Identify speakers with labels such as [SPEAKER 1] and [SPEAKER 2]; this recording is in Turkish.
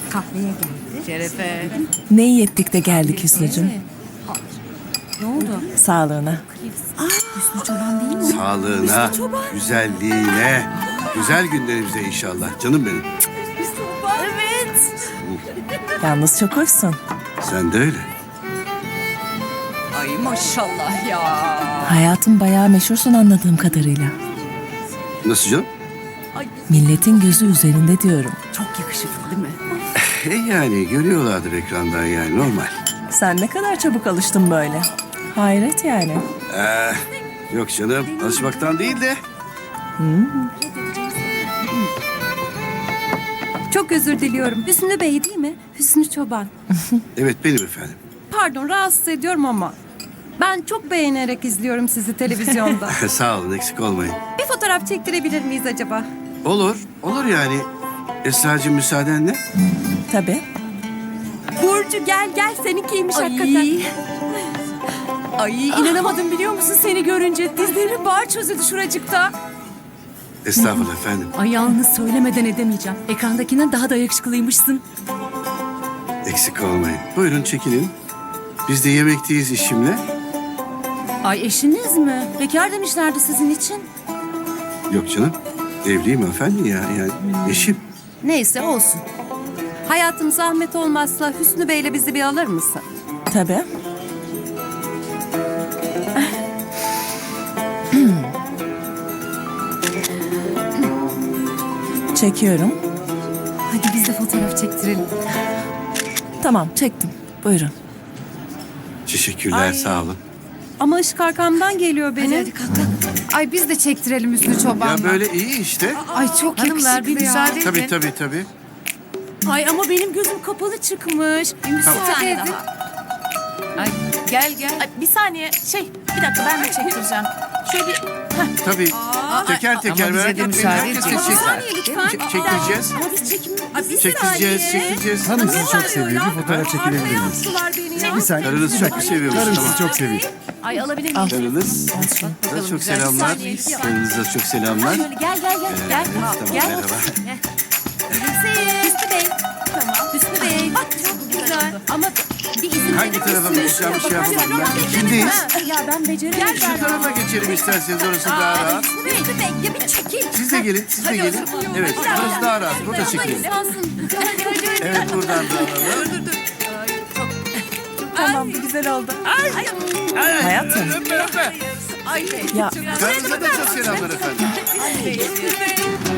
[SPEAKER 1] Kahveye geldi.
[SPEAKER 2] Şerefe.
[SPEAKER 3] Ne iyi ettik de geldik Hüsnü'cüm.
[SPEAKER 1] Ne oldu?
[SPEAKER 3] Sağlığına.
[SPEAKER 1] Hüsnü Çoban değil mi?
[SPEAKER 4] Sağlığına, güzelliğine, güzel günlerimize inşallah. Canım benim.
[SPEAKER 1] Evet.
[SPEAKER 3] Yalnız çok hoşsun.
[SPEAKER 4] Sen de öyle.
[SPEAKER 2] Ay maşallah ya.
[SPEAKER 3] Hayatım bayağı meşhursun anladığım kadarıyla.
[SPEAKER 4] Nasıl canım?
[SPEAKER 3] Milletin gözü üzerinde diyorum.
[SPEAKER 2] Çok yakışıklı değil mi?
[SPEAKER 4] Yani görüyorlardır ekrandan yani normal.
[SPEAKER 3] Sen ne kadar çabuk alıştın böyle. Hayret yani.
[SPEAKER 4] Yok canım, alışmaktan değil de.
[SPEAKER 1] Çok özür diliyorum. Hüsnü Bey değil mi? Hüsnü Çoban.
[SPEAKER 4] Evet benim efendim.
[SPEAKER 1] Pardon rahatsız ediyorum ama. Ben çok beğenerek izliyorum sizi televizyonda.
[SPEAKER 4] Sağ olun, eksik olmayın.
[SPEAKER 1] Bir fotoğraf çektirebilir miyiz acaba?
[SPEAKER 4] Olur, olur yani. Esra'cığım müsaadenle.
[SPEAKER 3] Tabii.
[SPEAKER 1] Burcu gel seninkiymiş hakikaten.
[SPEAKER 2] Ay inanamadım biliyor musun seni görünce. Dizlerimin bağı çözüldü şuracıkta.
[SPEAKER 4] Estağfurullah efendim.
[SPEAKER 2] Ay yalnız söylemeden edemeyeceğim. Ekrandakinden daha da yakışıklıymışsın.
[SPEAKER 4] Eksik olmayın. Buyurun çekilin. Biz de yemekteyiz işimle.
[SPEAKER 2] Ay eşiniz mi? Bekar demişlerdi sizin için.
[SPEAKER 4] Yok canım, evliyim efendim ya. Yani eşim.
[SPEAKER 2] Neyse olsun.
[SPEAKER 1] Hayatım zahmet olmazsa Hüsnü Bey'le bizi bir alır mısın?
[SPEAKER 3] Tabii. Çekiyorum.
[SPEAKER 1] Hadi biz de fotoğraf çektirelim.
[SPEAKER 3] Tamam çektim. Buyurun.
[SPEAKER 4] Teşekkürler, sağ olun.
[SPEAKER 1] Ama ışık arkamdan geliyor benim.
[SPEAKER 2] Hadi kalk kalk. Ay biz de çektirelim Hüsnü Çoban'la.
[SPEAKER 4] Ya böyle iyi işte.
[SPEAKER 2] Ay çok
[SPEAKER 5] Hanımlar bir
[SPEAKER 2] yakışıklı ya.
[SPEAKER 5] müsaade edin.
[SPEAKER 4] Tabii.
[SPEAKER 2] Ay ama benim gözüm kapalı çıkmış. Bir müsaade edin.
[SPEAKER 5] Ay, gel. Ay, bir saniye. Bir dakika ben de çektireceğim. Şöyle bir...
[SPEAKER 4] Tabii. Teker teker
[SPEAKER 5] Ama bize
[SPEAKER 4] merak
[SPEAKER 5] de
[SPEAKER 4] etmeyin.
[SPEAKER 5] müsaade
[SPEAKER 4] Herkes
[SPEAKER 5] edin.
[SPEAKER 4] çekecek.
[SPEAKER 1] lütfen.
[SPEAKER 4] Çektireceğiz. Çektireceğiz.
[SPEAKER 6] Hanım sizi çok seviyor. Bir fotoğraf çekilebilir miyiz?
[SPEAKER 1] Yaptılar beni ya.
[SPEAKER 6] Bir saniye.
[SPEAKER 4] Karınız çok mu seviyormuş?
[SPEAKER 6] Karım
[SPEAKER 4] Tamam.
[SPEAKER 6] sizi çok seviyor.
[SPEAKER 5] Ay alabilir
[SPEAKER 3] Al.
[SPEAKER 5] miyim?
[SPEAKER 4] Karınız.
[SPEAKER 5] Bakalım,
[SPEAKER 4] Çok
[SPEAKER 5] güzel.
[SPEAKER 4] selamlar.
[SPEAKER 5] Bir saniye.
[SPEAKER 4] Karınıza çok selamlar.
[SPEAKER 5] Şöyle gel.
[SPEAKER 4] Tamam, merhaba.
[SPEAKER 1] Hüsnü Bey. Tamam. Hüsnü Bey. Çok güzel. Ama bir izin
[SPEAKER 4] Hangi tarafa bakacağım bir şey yapalım ben. Kimdeyiz?
[SPEAKER 2] Ya ben beceremedim.
[SPEAKER 4] Gel şu tarafa geçelim isterseniz, orası daha rahat.
[SPEAKER 1] Hüsnü Bey ya bir çekil.
[SPEAKER 4] Siz de gelin, Evet, burası daha rahat. Burada çekelim. Evet, buradan da alalım.
[SPEAKER 3] Tamam bu güzel oldu. Hayatım.
[SPEAKER 4] Öpme.
[SPEAKER 3] Ya
[SPEAKER 4] Karınıza da çok selamlar efendim.